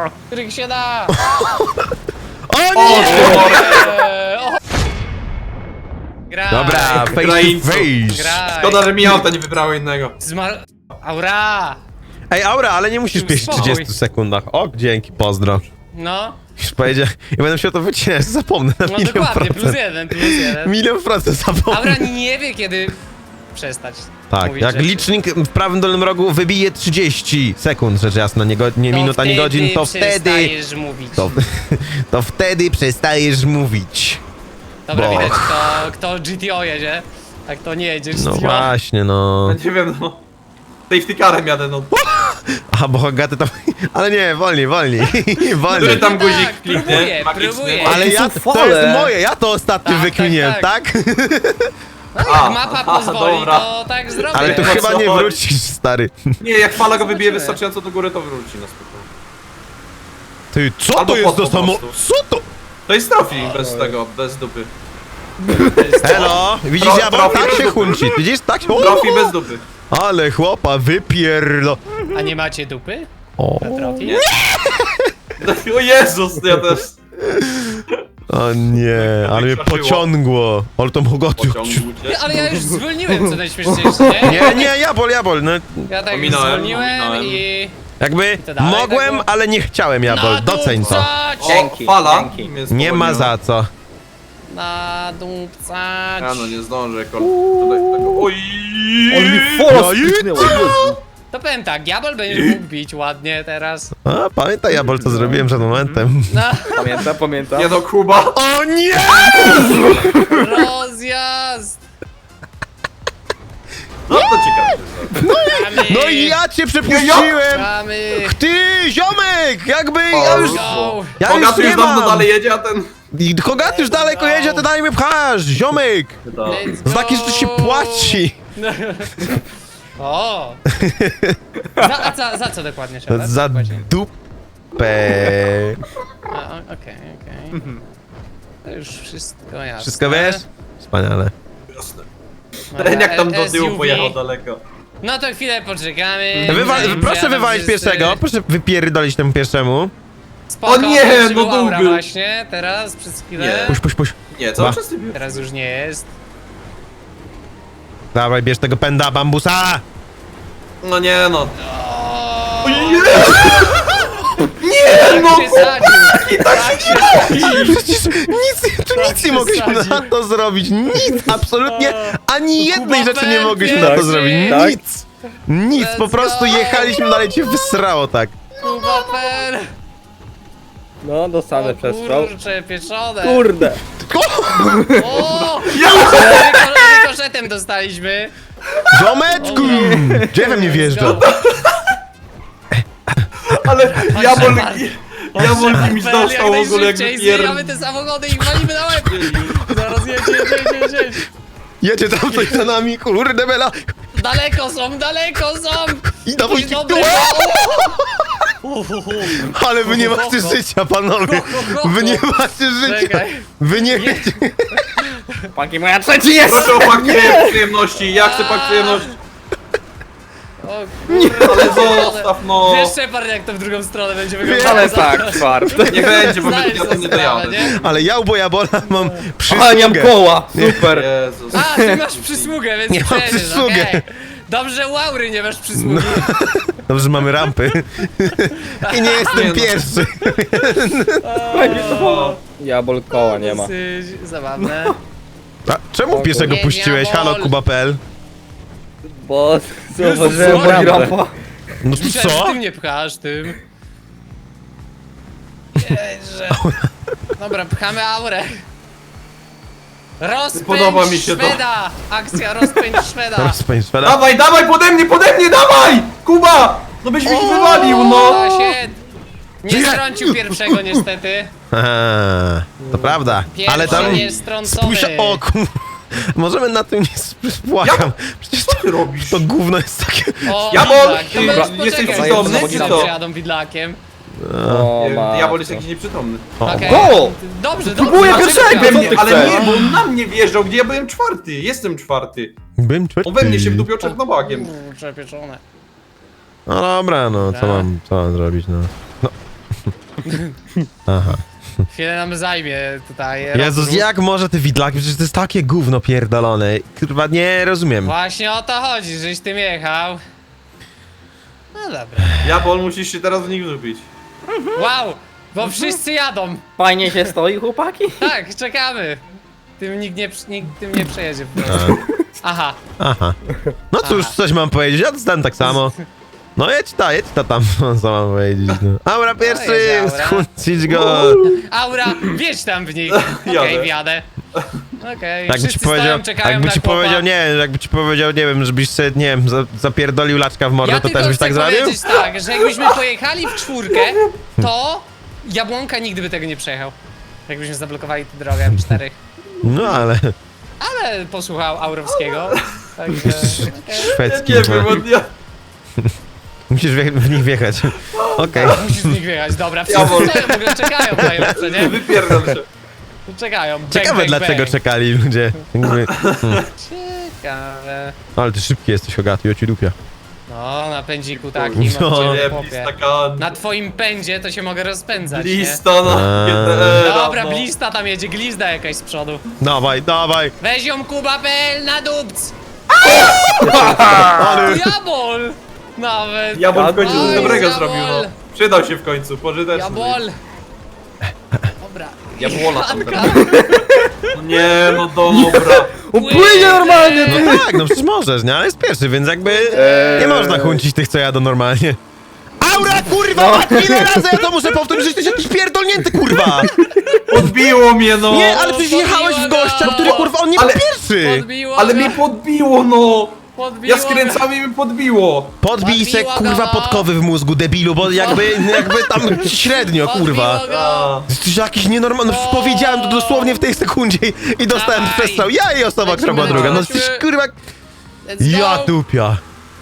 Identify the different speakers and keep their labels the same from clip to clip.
Speaker 1: Których się da!
Speaker 2: O
Speaker 3: O,
Speaker 2: nie!
Speaker 1: O. Graj!
Speaker 2: Dobra, face to
Speaker 3: Ukraińców.
Speaker 2: face.
Speaker 1: Graj!
Speaker 3: Szkoda, że mi auta nie wybrało innego.
Speaker 1: Aura!
Speaker 2: Ej, Aura, ale nie musisz pieść w
Speaker 1: Spokój.
Speaker 2: 30 sekundach. O, dzięki, pozdro.
Speaker 1: No,
Speaker 2: Już powiedział, ja będę się o to wycinać, zapomnę na
Speaker 1: no
Speaker 2: milion
Speaker 1: dokładnie,
Speaker 2: procent.
Speaker 1: plus jeden.
Speaker 2: Milion procent zapomnę.
Speaker 1: Aura nie wie kiedy przestać
Speaker 2: Tak,
Speaker 1: mówić
Speaker 2: jak
Speaker 1: rzeczy.
Speaker 2: licznik w prawym dolnym rogu wybije 30 sekund, rzecz jasna, nie
Speaker 1: To
Speaker 2: minut, ani
Speaker 1: wtedy
Speaker 2: godzin, to wtedy...
Speaker 1: przestajesz mówić.
Speaker 2: To wtedy przestajesz mówić.
Speaker 1: Dobra,
Speaker 2: bo-
Speaker 1: widać kto GTO jedzie, a kto nie jedzie GTO.
Speaker 2: No właśnie, no...
Speaker 3: Nie wiem, no. Safety carem jadę, no.
Speaker 2: Aha, bo Hogaty tam... Ale nie, wolniej.
Speaker 3: Który
Speaker 2: Wolniej.
Speaker 3: tam guzik
Speaker 1: tak,
Speaker 3: kliknie?
Speaker 1: próbuję,
Speaker 3: Magiczny.
Speaker 1: próbuję.
Speaker 2: Ale ja,
Speaker 4: są
Speaker 2: to
Speaker 4: fale.
Speaker 2: jest moje, ja to ostatnio
Speaker 1: Tak,
Speaker 2: wykminiłem,
Speaker 1: tak,
Speaker 2: tak?
Speaker 1: No, jak
Speaker 3: A,
Speaker 1: mapa
Speaker 3: aha,
Speaker 1: pozwoli,
Speaker 3: dobra.
Speaker 1: to tak zrobię.
Speaker 2: Ale tu
Speaker 3: o
Speaker 2: chyba
Speaker 3: co
Speaker 2: nie
Speaker 3: chodzi?
Speaker 2: wrócisz, stary.
Speaker 3: Nie, jak fala go wybije
Speaker 1: Zobaczymy.
Speaker 3: wystarczająco do góry, to wróci na spokojnie.
Speaker 2: Ty, co
Speaker 3: Albo
Speaker 2: to jest
Speaker 3: pod
Speaker 2: za
Speaker 3: po
Speaker 2: samo...
Speaker 3: prostu.
Speaker 2: Co to?
Speaker 3: To jest trofi bez tego, bez dupy.
Speaker 2: Elo, widzisz,
Speaker 3: Tro-
Speaker 2: ja
Speaker 3: trofi
Speaker 2: tak
Speaker 3: bez
Speaker 2: się
Speaker 3: dupy.
Speaker 2: hunci, widzisz, tak się...
Speaker 3: Trofi bez dupy.
Speaker 2: Ale chłopa, wypierdo...
Speaker 1: A nie macie dupy?
Speaker 2: O,
Speaker 1: Na trofi?
Speaker 3: O Jezus, ja też.
Speaker 2: o nie, ale mnie
Speaker 3: Wystraszyło.
Speaker 2: pociągło. Ale tam Hogaty...
Speaker 3: Pociągu cię.
Speaker 1: Nie, ale ja już zwolniłem, co najśmieszniejsze, nie?
Speaker 2: Nie, jabol, no...
Speaker 1: Ja tak
Speaker 3: Ominąłem,
Speaker 1: zwolniłem
Speaker 3: ominąłem.
Speaker 1: i...
Speaker 2: Jakby
Speaker 1: To dalej
Speaker 2: mogłem,
Speaker 1: tak było?
Speaker 2: ale nie chciałem, jabol, doceń to.
Speaker 1: Nadupcać!
Speaker 3: O,
Speaker 4: Dzięki,
Speaker 3: fala.
Speaker 4: dzięki.
Speaker 3: Mnie
Speaker 2: Nie ma
Speaker 3: spowolniła.
Speaker 2: za co.
Speaker 1: Nadupcać!
Speaker 3: Ja no nie zdążę, tutaj tego. Oj!
Speaker 4: On mi
Speaker 2: No
Speaker 4: fola
Speaker 2: i
Speaker 4: spiknęła, Jezu.
Speaker 1: To powiem tak, Diabol będzie mógł bić ładnie teraz.
Speaker 2: A, pamiętaj, jabol, co zrobiłem przed momentem.
Speaker 1: No,
Speaker 4: Pamiętam.
Speaker 3: Nie no, Kuba.
Speaker 2: O nie!
Speaker 1: rozjazd!
Speaker 3: No to ciekawe.
Speaker 1: Mamy,
Speaker 2: No i ja cię przepuściłem!
Speaker 1: mamy,
Speaker 2: Ty, ziomek! Jakby ja już...
Speaker 1: go!
Speaker 2: Ja już
Speaker 3: Bogaty
Speaker 2: nie
Speaker 3: już dawno
Speaker 2: mam!
Speaker 3: dalej jedzie, a ten...
Speaker 2: I Hogaty już daleko jedzie, ty dalej mnie pchasz! Ziomek!
Speaker 1: Let's
Speaker 2: Za takie rzeczy się
Speaker 1: go.
Speaker 2: płaci!
Speaker 1: O! Za co dokładnie trzeba?
Speaker 2: Za
Speaker 1: Dokładnie.
Speaker 2: dupę!
Speaker 1: Okej. To już wszystko jasne.
Speaker 2: Wszystko wiesz? Wspaniale.
Speaker 3: Jasne.
Speaker 1: Dobra,
Speaker 3: Ten jak tam do tyłu
Speaker 1: SUV.
Speaker 3: pojechał daleko.
Speaker 1: No to chwilę poczekamy.
Speaker 2: Proszę
Speaker 1: Jadą
Speaker 2: wywalić
Speaker 1: wszyscy.
Speaker 2: pierwszego, proszę wypierdolić temu pierwszemu.
Speaker 1: Spoko,
Speaker 3: O nie,
Speaker 1: pierwszy
Speaker 3: no
Speaker 1: był Aura
Speaker 3: długo.
Speaker 1: właśnie, teraz przez chwilę.
Speaker 3: Nie.
Speaker 2: Puść.
Speaker 3: Nie, cały
Speaker 2: Ba.
Speaker 3: czas ty bił.
Speaker 1: Teraz już nie jest.
Speaker 2: Dawaj, bierz tego pęda bambusa!
Speaker 3: No nie no.
Speaker 1: O,
Speaker 3: Nie no!
Speaker 1: tak się sadził.
Speaker 2: Przecież nic nie mogliśmy na to zrobić, nic, absolutnie, ani jednej rzeczy nie mogliśmy na to
Speaker 1: pierwszy.
Speaker 2: zrobić,
Speaker 4: Tak.
Speaker 2: nic, po
Speaker 1: Let's
Speaker 2: prostu
Speaker 1: go.
Speaker 2: jechaliśmy dalej, cię wysrało tak.
Speaker 1: Kubaper!
Speaker 4: No, dostanę przestrzał.
Speaker 1: Kurcze, pieczone!
Speaker 4: Kurde.
Speaker 1: O! Rykoszetem dostaliśmy.
Speaker 2: Ziomeczku! Gdzie we mnie wjeżdża?
Speaker 3: Ale Jabol...
Speaker 1: Shepard.
Speaker 3: Jabol kimś
Speaker 1: Apel,
Speaker 3: dostał w ogóle jakby
Speaker 1: Zbijamy te samochody i walimy na łeb! Zaraz jedź.
Speaker 2: Jedzie tam coś za nami, kurde bela!
Speaker 1: Daleko są!
Speaker 2: I dawaj
Speaker 1: Jakiś
Speaker 2: ci
Speaker 1: dobry.
Speaker 2: Ale wy nie macie życia, panowie! Wy nie macie życia!
Speaker 1: Czekaj.
Speaker 2: Wy nie...
Speaker 4: Panki moja trzeci jest!
Speaker 3: Proszę o pak przyjemności, ja chcę pak przyjemności.
Speaker 1: O kurde,
Speaker 3: Ale zostaw no.
Speaker 1: Wiesz, Shepard, jak to w drugą stronę będzie wyglądało?
Speaker 4: Ale tak, czwarte.
Speaker 3: Nie będzie, bo
Speaker 1: Zdajesz
Speaker 3: ja tam
Speaker 1: sobie
Speaker 3: nie
Speaker 1: sprawę,
Speaker 3: dojadę.
Speaker 1: nie?
Speaker 2: Ale ja u Bojabola mam
Speaker 4: Ale nie mam
Speaker 2: przysługę.
Speaker 4: koła, super.
Speaker 3: Jezus.
Speaker 1: A, ty masz przysługę, więc
Speaker 2: Nie mam
Speaker 1: przejedziesz,
Speaker 2: przysługę.
Speaker 1: okej. Dobrze, u Aury nie masz przysługi.
Speaker 2: Dobrze, że mamy rampy. I nie jestem
Speaker 3: Nie no.
Speaker 2: pierwszy.
Speaker 4: Jabol koła nie ma.
Speaker 1: Dosyć zabawne.
Speaker 2: A czemu pierwszego
Speaker 1: Nie,
Speaker 2: puściłeś?
Speaker 1: diabol.
Speaker 2: Halo, Kuba.pl.
Speaker 4: Bo zauważyłem
Speaker 1: Jezus,
Speaker 4: moją
Speaker 1: rampę.
Speaker 4: rampa.
Speaker 2: No to
Speaker 1: Myślałem, że
Speaker 2: co?
Speaker 1: ty mnie pchasz tym. Jeże. Dobra, pchamy Aurę. Rozpędź
Speaker 3: Podoba mi się to.
Speaker 1: Szweda! Akcja rozpędź Szweda!
Speaker 2: Rozpędź szweda.
Speaker 3: Dawaj, dawaj, pode mnie, dawaj! Kuba! No byś mi wywalił, no!
Speaker 1: Się nie strącił pierwszego niestety.
Speaker 2: Aha, to prawda.
Speaker 1: Pierwszy
Speaker 2: Ale tam...
Speaker 1: jest strącony.
Speaker 2: Spójrz, o kur... Możemy na tym nie spłakam. Przecież
Speaker 3: Co ty robisz?
Speaker 2: to gówno jest takie...
Speaker 1: O,
Speaker 3: Jabol,
Speaker 1: widlak.
Speaker 3: ty
Speaker 1: To możesz
Speaker 3: jesteś
Speaker 1: poczekać,
Speaker 3: przytomny,
Speaker 1: bo
Speaker 3: czy
Speaker 1: tam
Speaker 3: co?
Speaker 1: przyjadą widlakiem.
Speaker 4: O,
Speaker 3: Jabol jest jakiś nieprzytomny.
Speaker 1: Okej.
Speaker 4: Go!
Speaker 1: Dobrze,
Speaker 4: Próbuję
Speaker 1: dobrze.
Speaker 4: pierwszego,
Speaker 1: Dlaczego?
Speaker 4: co ty
Speaker 3: Ale
Speaker 4: chcesz?
Speaker 3: nie, bo on na mnie wjeżdżał, gdzie ja byłem czwarty. Jestem czwarty.
Speaker 2: Bym
Speaker 3: On we mnie się wdupiał czarnobakiem.
Speaker 1: Kurczę, pieczone.
Speaker 2: No dobra, no
Speaker 1: Dobra.
Speaker 2: co mam zrobić, no. Aha.
Speaker 1: Chwilę nam zajmie tutaj.
Speaker 2: Jezus,
Speaker 1: rozruch.
Speaker 2: jak może te widlaki? Przecież to jest takie gówno pierdolone. Kurwa, nie rozumiem.
Speaker 1: Właśnie o to chodzi, żeś tym jechał. No dobra.
Speaker 3: Jabol, musisz się teraz w nich wrzucić.
Speaker 1: Wow, bo wszyscy jadą.
Speaker 4: Fajnie się stoi, chłopaki?
Speaker 1: Tak, czekamy. Nikt tym nie przejedzie po prostu. Aha.
Speaker 2: Aha. No cóż, coś mam powiedzieć, ja dostałem tak samo. No jedź ta tam, co mam powiedzieć. No. Aura pierwszy,
Speaker 1: jedź, Aura.
Speaker 2: skłócić go.
Speaker 1: Aura, wjedź tam w nich.
Speaker 3: Jadę.
Speaker 1: Okej, wjadę. Okej,
Speaker 2: Jakby ci
Speaker 1: wszyscy
Speaker 2: powiedział,
Speaker 1: stoją, czekają
Speaker 2: jakby
Speaker 1: na
Speaker 2: ci
Speaker 1: chłopa.
Speaker 2: powiedział, nie, jakby ci powiedział, nie wiem, żebyś sobie, nie wiem, zapierdolił laczka w mordę,
Speaker 1: Ja
Speaker 2: to
Speaker 1: tylko
Speaker 2: też byś
Speaker 1: chcę
Speaker 2: tak zrobił?
Speaker 1: powiedzieć tak, że jakbyśmy pojechali w czwórkę, to Jabłonka nigdy by tego nie przejechał. Jakbyśmy zablokowali tę drogę w czterech.
Speaker 2: No ale,
Speaker 1: Ale posłuchał Aurowskiego. Także, okej.
Speaker 2: szwedzki,
Speaker 3: Nie
Speaker 2: no.
Speaker 3: wiem, od ja...
Speaker 2: Musisz w nich wjechać. Okej.
Speaker 1: Musisz z nich wyjechać, dobra, wszyscy
Speaker 3: Jabłon.
Speaker 1: stoją, w ogóle czekają najlepsze, nie?
Speaker 3: Wypierdol się.
Speaker 1: Czekają, bang,
Speaker 2: Ciekawe
Speaker 1: bang,
Speaker 2: dlaczego
Speaker 1: bang.
Speaker 2: czekali ludzie. Jakby-
Speaker 1: Ciekawe.
Speaker 2: Ale ty szybki jesteś, Hogaty, ja ci dupia.
Speaker 1: No, na pędziku takim,
Speaker 2: No.
Speaker 1: no.
Speaker 3: Nie,
Speaker 1: chłopie.
Speaker 3: blistaka...
Speaker 1: Na twoim pędzie to się mogę rozpędzać,
Speaker 3: Blista na
Speaker 2: Eee.
Speaker 3: GTR.
Speaker 1: nie? Dobra,
Speaker 3: no.
Speaker 1: blista tam jedzie, glizda jakaś z przodu.
Speaker 2: Dawaj, dawaj.
Speaker 1: Weź ją Kuba.pl na dupc!
Speaker 2: Ale...
Speaker 1: Jabol! Nawet.
Speaker 3: Jabol w końcu coś
Speaker 1: Oj,
Speaker 3: dobrego
Speaker 1: Jabol.
Speaker 3: zrobił, no. Przydał się w końcu, pożyteczny.
Speaker 1: Jabol! Dobra.
Speaker 3: Jabłola tam
Speaker 1: Janka.
Speaker 3: No nie, no dobra.
Speaker 4: Płynie normalnie!
Speaker 2: No tak, no przecież możesz, nie? Ale jest pierwszy, więc jakby nie można chuncić tych, co jadą normalnie. Aura, kurwa! Ile razy ja to muszę powtórzyć, że jesteś jakiś pierdolnięty, kurwa!
Speaker 3: Podbiło mnie, no.
Speaker 2: Nie, ale przecież jechałeś w gościa, który, kurwa, on nie był
Speaker 3: Ale-
Speaker 2: pierwszy!
Speaker 1: Podbiło
Speaker 3: Ale
Speaker 1: go.
Speaker 3: mnie podbiło, no.
Speaker 1: Podbiło
Speaker 3: Ja skręcałem i mi podbiło.
Speaker 2: Podbij se,
Speaker 1: Podbiło go,
Speaker 2: kurwa,
Speaker 1: no.
Speaker 2: podkowy w mózgu, debilu, bo jakby tam średnio, kurwa.
Speaker 1: Podbiło go.
Speaker 3: A.
Speaker 2: Jesteś jakiś nienormalny, no, powiedziałem to dosłownie w tej sekundzie i dostałem
Speaker 1: Dawaj.
Speaker 2: przestrzał. Ja i osoba, która była
Speaker 1: Lecimy,
Speaker 2: druga. No
Speaker 1: lecimy.
Speaker 2: jesteś, kurwa,
Speaker 1: Let's go.
Speaker 2: ja dupia.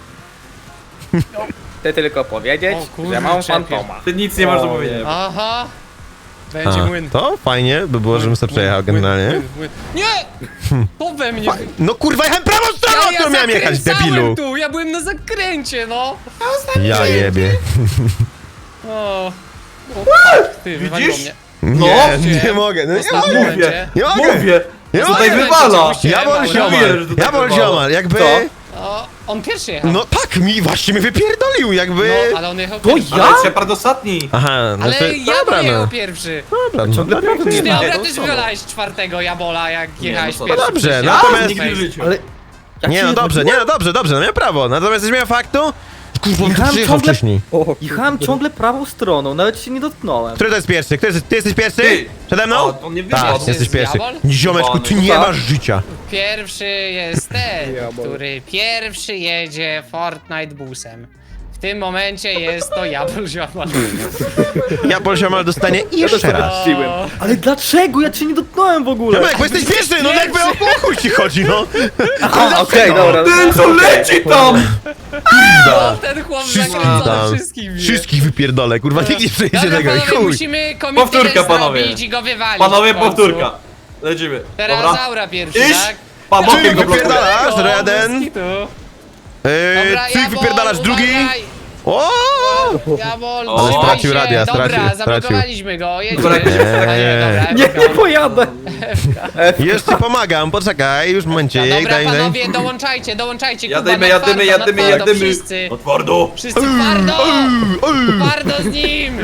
Speaker 4: Ty tylko powiedzieć,
Speaker 1: O kurczę,
Speaker 4: że mam fantoma.
Speaker 3: Ty nic nie masz do powiedzenia.
Speaker 1: Aha. Będzie
Speaker 2: A,
Speaker 1: młyn.
Speaker 2: to fajnie by było, żebym sobie przejechał generalnie.
Speaker 1: Młyn. Nie! To we mnie.
Speaker 2: No kurwa, jechałem prawą stroną, którą miałem jechać,
Speaker 1: zakręcałem
Speaker 2: debilu.
Speaker 1: tu, ja byłem na zakręcie, no.
Speaker 2: Ja jebie.
Speaker 1: O. O fuck, ty, wywaliło
Speaker 3: Widzisz?
Speaker 1: mnie.
Speaker 3: No.
Speaker 2: Nie mogę, no nie
Speaker 1: Ostatnim
Speaker 2: mogę.
Speaker 1: momencie.
Speaker 2: Nie mogę.
Speaker 3: Mówię.
Speaker 2: Nie
Speaker 3: Tutaj
Speaker 2: mogę.
Speaker 3: wywala.
Speaker 2: Ja bol
Speaker 1: Mówiłem,
Speaker 2: ziomal,
Speaker 3: że tutaj
Speaker 2: ja bol
Speaker 3: wywala.
Speaker 2: ziomal, jakby...
Speaker 4: Co?
Speaker 1: O, on pierwszy jechał.
Speaker 2: No tak, mi właśnie mnie wypierdolił, jakby...
Speaker 1: No, ale on jechał
Speaker 4: To
Speaker 1: pierwszy.
Speaker 3: Ale Shepard ostatni.
Speaker 2: Aha,
Speaker 1: Ale
Speaker 2: znaczy,
Speaker 1: ja
Speaker 2: dobra,
Speaker 1: jechał
Speaker 2: no.
Speaker 1: pierwszy.
Speaker 2: Dobra, no.
Speaker 4: Ciągle prawo
Speaker 1: Ty,
Speaker 4: nie ma.
Speaker 1: dobra,
Speaker 3: to
Speaker 1: też
Speaker 3: co?
Speaker 1: wylałeś czwartego Jabola, jak jechałeś
Speaker 3: no to
Speaker 1: pierwszy.
Speaker 2: dobrze,
Speaker 1: przecież.
Speaker 2: no
Speaker 1: Ja
Speaker 2: natomiast-
Speaker 3: Nigdy w życiu.
Speaker 4: Ale... jak
Speaker 2: Nie
Speaker 4: się
Speaker 2: no dobrze,
Speaker 4: zrobiło?
Speaker 2: dobrze, no miałem prawo. Natomiast zmiana faktu... Kurwa, on tu
Speaker 4: Jechałem
Speaker 2: przyjechał
Speaker 4: ciągle-
Speaker 2: wcześniej.
Speaker 4: Jechałem ciągle prawą stroną, nawet się nie dotknąłem.
Speaker 2: Który to jest pierwszy? Ty jesteś pierwszy?
Speaker 3: Ty.
Speaker 2: Przede mną?
Speaker 3: O, on nie wyszedł.
Speaker 2: Tak,
Speaker 1: To
Speaker 2: jesteś
Speaker 1: jest
Speaker 2: pierwszy.
Speaker 1: diabol?
Speaker 2: Ziomeczku, ty nie
Speaker 4: Tak.
Speaker 2: masz życia.
Speaker 1: Pierwszy jest ten,
Speaker 4: Diabol.
Speaker 1: który pierwszy jedzie Fortnite busem. W tym momencie jest to Jabol Ziomal.
Speaker 2: Ja Polsiomal dostanie jeszcze raz.
Speaker 4: Siłem. Ale dlaczego? Ja cię nie dotknąłem w ogóle.
Speaker 2: Ziomek, bo jesteś pierwszy, no jakby o chuj ci chodzi, no.
Speaker 4: Aha, okej, dobra.
Speaker 3: Ten co leci tam!
Speaker 1: O, ten chłop
Speaker 2: Wszystkich
Speaker 1: zakręcony
Speaker 2: tam.
Speaker 1: wszystkich wie.
Speaker 2: Wszystkich wypierdolę, kurwa, nikt nie przejdzie
Speaker 1: Dobra,
Speaker 2: tego i
Speaker 1: panowie,
Speaker 2: chuj.
Speaker 1: musimy komitetę
Speaker 3: Powtórka, panowie.
Speaker 1: zrobić i go wywalić
Speaker 3: Panowie,
Speaker 1: w końcu.
Speaker 3: powtórka. Lecimy.
Speaker 1: Teraz
Speaker 3: Dobra.
Speaker 1: Aura pierwszy,
Speaker 3: Iść!
Speaker 1: tak?
Speaker 3: Pan bokiem
Speaker 2: Czyli
Speaker 3: go blokuje.
Speaker 2: wypierdalasz,
Speaker 1: O,
Speaker 2: jeden.
Speaker 1: bez kitu. Dobra,
Speaker 2: Ty
Speaker 1: Jabol,
Speaker 2: wypierdalasz drugi.
Speaker 1: uważaj.
Speaker 2: O!
Speaker 1: Jabol,
Speaker 3: Ale
Speaker 1: trzymaj
Speaker 2: stracił
Speaker 1: się.
Speaker 2: radia,
Speaker 1: Dobra,
Speaker 2: stracił.
Speaker 1: zablokowaliśmy go, jedziemy.
Speaker 3: Dobra,
Speaker 4: Nie, nie pojadę.
Speaker 2: Jeszcze pomagam, poczekaj, już momencie.
Speaker 1: Dobra, panowie, dołączajcie,
Speaker 3: Jadymy,
Speaker 1: Kuba,
Speaker 3: jadymy,
Speaker 1: na twardo,
Speaker 3: jadymy.
Speaker 1: wszyscy.
Speaker 3: No twardo.
Speaker 1: Wszyscy twardo! Twardo z nim!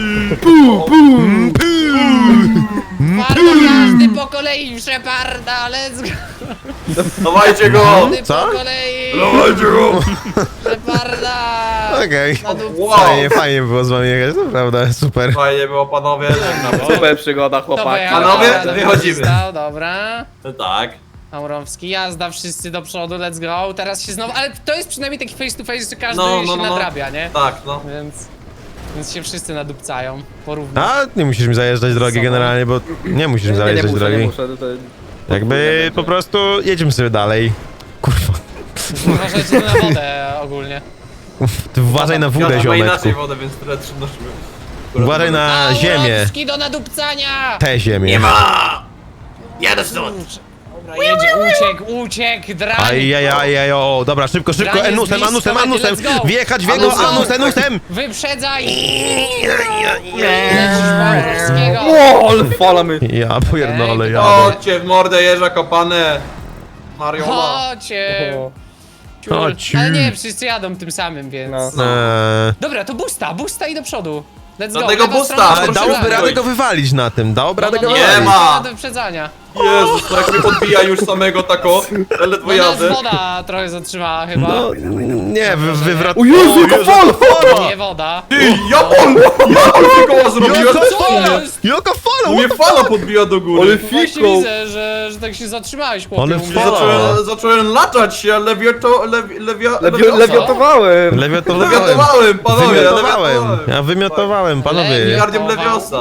Speaker 1: Twardo każdy po kolei, Sheparda, let's go!
Speaker 3: Dawajcie go.
Speaker 1: Każdy
Speaker 2: Co?
Speaker 1: po kolei,
Speaker 3: Dawajcie go.
Speaker 1: Sheparda!
Speaker 2: Okej.
Speaker 1: Na dupce.
Speaker 3: Wow.
Speaker 2: Fajnie było z wami jechać, naprawdę, super.
Speaker 3: Fajnie było, panowie. Żegnam.
Speaker 4: Super przygoda,
Speaker 1: To
Speaker 4: chłopaki.
Speaker 1: pojechał,
Speaker 3: Panowie,
Speaker 1: dobra,
Speaker 3: wychodzimy.
Speaker 1: Stał, dobra.
Speaker 3: Tak.
Speaker 1: Aurowski, jazda, wszyscy do przodu, let's go. Teraz się znowu, ale to jest przynajmniej taki face to face, że każdy się nadrabia, nie?
Speaker 3: Tak, no.
Speaker 1: Więc się wszyscy nadupcają, porówno.
Speaker 2: A, nie musisz mi zajeżdżać drogi
Speaker 1: Sobą.
Speaker 2: generalnie, bo nie musisz mi
Speaker 4: Nie
Speaker 2: zajeżdżać
Speaker 4: muszę, nie
Speaker 2: drogi.
Speaker 4: muszę. To...
Speaker 2: Jakby po prostu jedziemy sobie dalej. Kurwa,
Speaker 1: Uważajcie na wodę ogólnie.
Speaker 2: ty uważaj na wódę,
Speaker 3: Ja ma
Speaker 2: ziomeczku.
Speaker 3: inaczej wodę, więc tyle przynosimy.
Speaker 2: Uważaj na ziemię.
Speaker 1: Aurowski do nadupcania!
Speaker 2: Tę ziemię.
Speaker 3: Nie ma! Jadę stąd!
Speaker 1: Dobra, jedzie, uciekł, drań.
Speaker 2: Ajajajaj, o, dobra, szybko,
Speaker 1: Granie
Speaker 2: anusem,
Speaker 1: z bliska,
Speaker 2: anusem,
Speaker 1: let's go.
Speaker 2: wjechać w jego anusem.
Speaker 1: Wyprzedzaj! Lecisz Borowskiego.
Speaker 4: O, ale fala my.
Speaker 2: Ja pierdolę, ja.
Speaker 3: Chodźcie w mordę jeża kopane. Mariola.
Speaker 1: Chodźcie. Ciul.
Speaker 2: Chodź.
Speaker 1: Ale nie, wszyscy jadą tym samym, więc...
Speaker 4: No.
Speaker 1: Dobra, to busta i do przodu. Let's go,
Speaker 3: Dlatego
Speaker 1: lewa
Speaker 3: busta,
Speaker 1: strona
Speaker 2: Ale
Speaker 3: proszę
Speaker 1: wyprzedzania.
Speaker 2: dałoby radę go wywalić na tym, dałoby radę go
Speaker 3: nie
Speaker 2: wywalić.
Speaker 3: ma.
Speaker 1: Do wyprzedzania.
Speaker 3: Jezus, to jak mnie podbija już samego tako. Ledwo
Speaker 1: No nas
Speaker 3: jadę.
Speaker 1: woda trochę zatrzymała chyba.
Speaker 2: No, nie, wywrot...
Speaker 4: O Jezu, jaka fala!
Speaker 1: Nie woda.
Speaker 3: Ty, Japon ty koła zrobiłem.
Speaker 1: Co jest?
Speaker 2: Jaka fala,
Speaker 3: Mnie fala podbija do góry.
Speaker 4: Ale
Speaker 1: Właśnie
Speaker 4: fiko!
Speaker 1: widzę, że tak się zatrzymałeś, chłopie.
Speaker 2: Ale
Speaker 1: u mnie.
Speaker 2: fala.
Speaker 3: Zacząłem latać się,
Speaker 4: Lewiotowałem!
Speaker 3: Lewiatowałem, panowie,
Speaker 2: Wymiotowałem, ja wymiotowałem, panowie.
Speaker 3: Miliardiem Leviosa.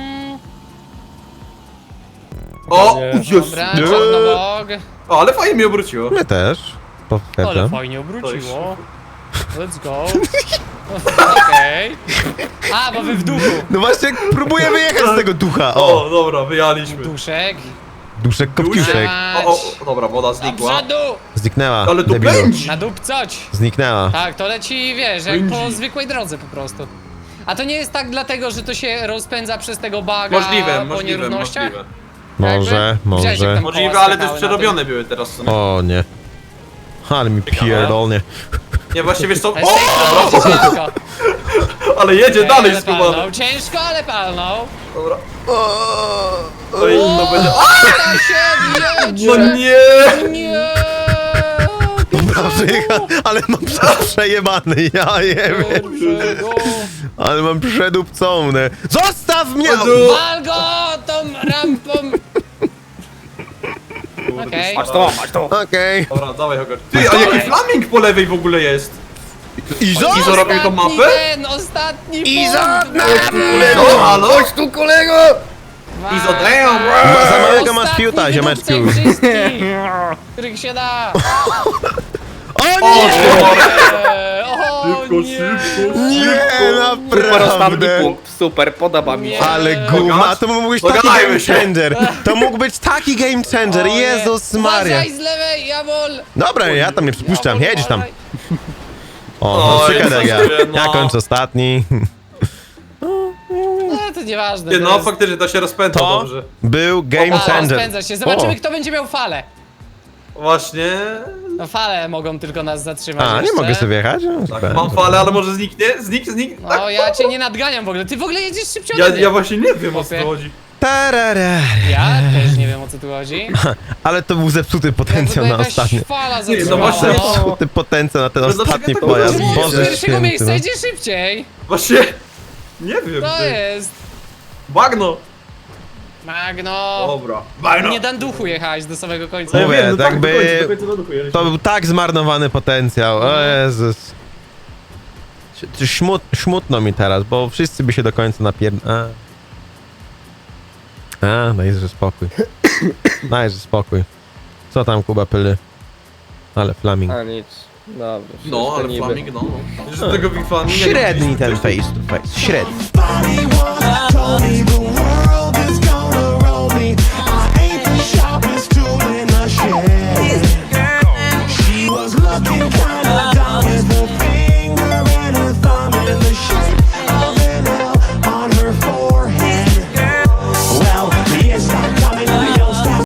Speaker 3: O,
Speaker 1: Dobra, Czarnobog.
Speaker 3: o, ale fajnie mnie obróciło.
Speaker 2: My też,
Speaker 1: Ale
Speaker 2: potwierdzam.
Speaker 1: fajnie obróciło. Let's go. Okej. A, bo wy w duchu.
Speaker 2: No właśnie, próbuję wyjechać z tego ducha,
Speaker 3: O, dobra, wyjaliśmy.
Speaker 1: Duszek.
Speaker 2: Duszek Kopciuszek.
Speaker 3: O, dobra, woda
Speaker 1: Do
Speaker 3: znikła.
Speaker 1: przodu.
Speaker 2: Zniknęła,
Speaker 3: Ale tu
Speaker 2: debilu.
Speaker 3: pędzi.
Speaker 1: Na dupcoć.
Speaker 2: Zniknęła.
Speaker 1: Tak, to leci, wiesz, jak po
Speaker 3: Pędzi.
Speaker 1: zwykłej drodze po prostu. A to nie jest tak dlatego, że to się rozpędza przez tego baga
Speaker 3: Możliwe,
Speaker 1: po nierównościach?
Speaker 3: możliwe.
Speaker 2: Może,
Speaker 1: Widziałeś, jak
Speaker 2: może.
Speaker 1: tam
Speaker 3: Możliwe,
Speaker 1: koła
Speaker 3: ale też
Speaker 1: skakały na
Speaker 3: przerobione były teraz w sumie.
Speaker 2: O nie. Ale mi pierdolnie.
Speaker 3: Nie, właśnie wiesz co?
Speaker 1: tym? To
Speaker 3: O,
Speaker 1: jest ciężko.
Speaker 3: ale jedzie dalej
Speaker 1: Ale
Speaker 3: skubany.
Speaker 1: palnął. Ciężko, ale palnął.
Speaker 3: Dobra. To inno będzie.
Speaker 1: Ta się jedzie.
Speaker 3: No nie!
Speaker 1: Nie!
Speaker 2: Dobra, przyjechał, ale mam przejebany, ja jebie.
Speaker 1: Pierwszego.
Speaker 2: Ale mam przedupcone. Zostaw mnie!
Speaker 1: Wal go tą rampą! Okej.
Speaker 4: Masz to, masz to!
Speaker 2: Okej.
Speaker 3: Dobra, dawaj Hogar. Ty, a jaki flaming po lewej w ogóle jest?
Speaker 2: Izo?
Speaker 3: Izo robił tą
Speaker 1: Ostatni
Speaker 3: mapę?
Speaker 1: ten, ostatni
Speaker 2: Izo,
Speaker 1: punkt.
Speaker 3: No, halo?
Speaker 4: Chodź tu, kolego!
Speaker 3: Izo, damn!
Speaker 2: Za małego masz
Speaker 1: Ostatni
Speaker 2: fiuta, ziomeczku.
Speaker 1: wydupcaj wszystkich, których się da.
Speaker 2: O
Speaker 3: O,
Speaker 2: nie!
Speaker 1: O
Speaker 3: Szybko,
Speaker 1: nie.
Speaker 3: szybko.
Speaker 2: Nie,
Speaker 4: Super ostatni
Speaker 2: naprawdę.
Speaker 4: punkt, super, podoba mi się.
Speaker 1: Nie.
Speaker 2: Ale guma, to mógł być taki
Speaker 3: Dogadajmy
Speaker 2: game
Speaker 3: się.
Speaker 2: changer. To mógł być taki game changer,
Speaker 1: O nie.
Speaker 2: Jezus Maria.
Speaker 1: Uważaj z lewej, Jabol.
Speaker 2: Dobra, ja tam nie przypuszczam,
Speaker 1: Jabol,
Speaker 2: jedziesz tam.
Speaker 1: uważaj.
Speaker 2: O,
Speaker 3: O,
Speaker 2: przykład jak ja.
Speaker 3: Jezus, no.
Speaker 2: Ja kończę ostatni.
Speaker 1: No to nieważne.
Speaker 3: Nie,
Speaker 1: to
Speaker 3: no
Speaker 1: jest-
Speaker 3: faktycznie to się rozpędza
Speaker 2: To
Speaker 3: dobrze.
Speaker 2: był game
Speaker 1: A,
Speaker 2: changer.
Speaker 1: rozpędza się. Zobaczymy,
Speaker 2: O.
Speaker 1: kto będzie miał falę.
Speaker 3: Właśnie.
Speaker 1: No fale mogą tylko nas zatrzymać
Speaker 2: A, nie
Speaker 1: jeszcze.
Speaker 2: mogę sobie wjechać? No,
Speaker 3: Tak,
Speaker 2: super.
Speaker 3: mam falę, ale może zniknie? Zniknie? Tak.
Speaker 1: No, ja cię nie nadganiam w ogóle. Ty w ogóle jedziesz szybciej ode mnie.
Speaker 3: Ja właśnie nie wiem o co
Speaker 1: Chłopie.
Speaker 3: chodzi.
Speaker 2: Tarara.
Speaker 1: Ja też nie wiem, o co tu chodzi.
Speaker 2: Ale to był zepsuty potencjał
Speaker 1: Jakby
Speaker 2: na
Speaker 1: jakaś
Speaker 2: ostatni.
Speaker 1: fala
Speaker 3: no
Speaker 1: zatrzymała.
Speaker 3: właśnie.
Speaker 1: No.
Speaker 2: Zepsuty potencjał na ten
Speaker 3: Ale dlaczego
Speaker 2: ostatni
Speaker 3: tak
Speaker 2: pojazd.
Speaker 3: było?
Speaker 1: Z
Speaker 2: Boże
Speaker 1: pierwszego
Speaker 2: święty,
Speaker 1: miejsca
Speaker 2: no.
Speaker 1: jedzie szybciej.
Speaker 3: Właśnie. Nie wiem.
Speaker 1: To
Speaker 3: ty.
Speaker 1: jest.
Speaker 3: Bagno.
Speaker 1: Magno.
Speaker 3: Dobra. Bagno.
Speaker 1: Nie dan duchu jechałeś do samego końca.
Speaker 3: No ja
Speaker 2: Mówię,
Speaker 3: wiem, no
Speaker 2: tak
Speaker 3: tak,
Speaker 2: by-
Speaker 3: do końca nadukujesz.
Speaker 2: To był tak zmarnowany potencjał, o Jezus. Smutno mi teraz, bo wszyscy by się do końca dajże spokój. Dajże spokój. Co tam, Kuba, pyly? Ale flaming.
Speaker 4: A nic, dobrze.
Speaker 3: No,
Speaker 4: wszystko
Speaker 3: ale
Speaker 4: niby.
Speaker 3: flaming, no. Wiesz, że tego Big Flaminga nie
Speaker 2: Średni ten face to face, średni.
Speaker 5: Somebody once told me the world is gonna roll me. I ain't the sharpest tool in the shed. She was looking